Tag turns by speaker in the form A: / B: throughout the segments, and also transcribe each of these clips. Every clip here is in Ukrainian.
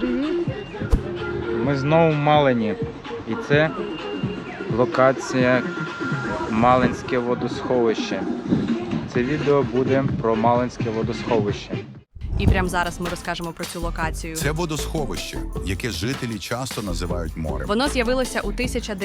A: Привіт!
B: Ми знову в Малині. І це локація Малинське водосховище. Це відео буде про Малинське водосховище.
C: І прямо зараз ми розкажемо про цю локацію.
D: Це водосховище, яке жителі часто називають морем.
C: Воно з'явилося у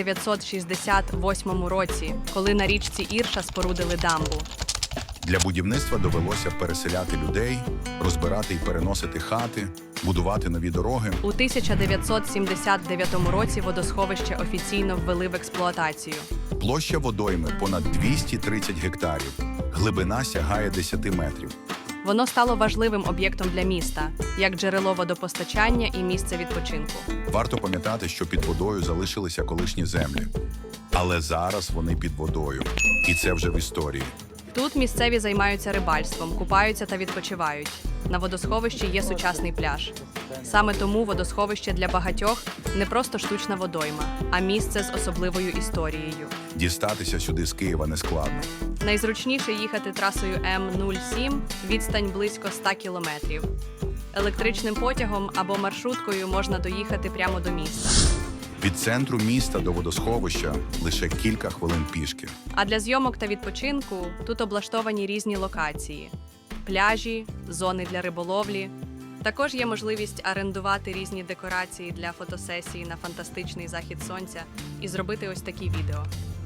C: 1968 році, коли на річці Ірша спорудили дамбу.
D: Для будівництва довелося переселяти людей, розбирати і переносити хати, будувати нові дороги.
C: У 1979 році водосховище офіційно ввели в експлуатацію.
D: Площа водойми понад 230 гектарів. Глибина сягає 10 метрів.
C: Воно стало важливим об'єктом для міста, як джерело водопостачання і місце відпочинку.
D: Варто пам'ятати, що під водою залишилися колишні землі. Але зараз вони під водою. І це вже в історії.
C: Тут місцеві займаються рибальством, купаються та відпочивають. На водосховищі є сучасний пляж. Саме тому водосховище для багатьох не просто штучна водойма, а місце з особливою історією.
D: Дістатися сюди з Києва не складно.
C: Найзручніше їхати трасою М07, відстань близько 100 кілометрів. Електричним потягом або маршруткою можна доїхати прямо до міста.
D: Від центру міста до водосховища лише кілька хвилин пішки.
C: А для зйомок та відпочинку тут облаштовані різні локації – пляжі, зони для риболовлі. Також є можливість орендувати різні декорації для фотосесії на фантастичний захід сонця і зробити ось такі відео.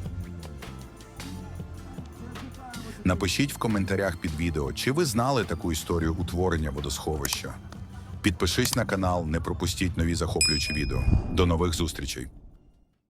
D: Напишіть в коментарях під відео, чи ви знали таку історію утворення водосховища. Підпишись на канал, не пропустіть нові захоплюючі відео. До нових зустрічей!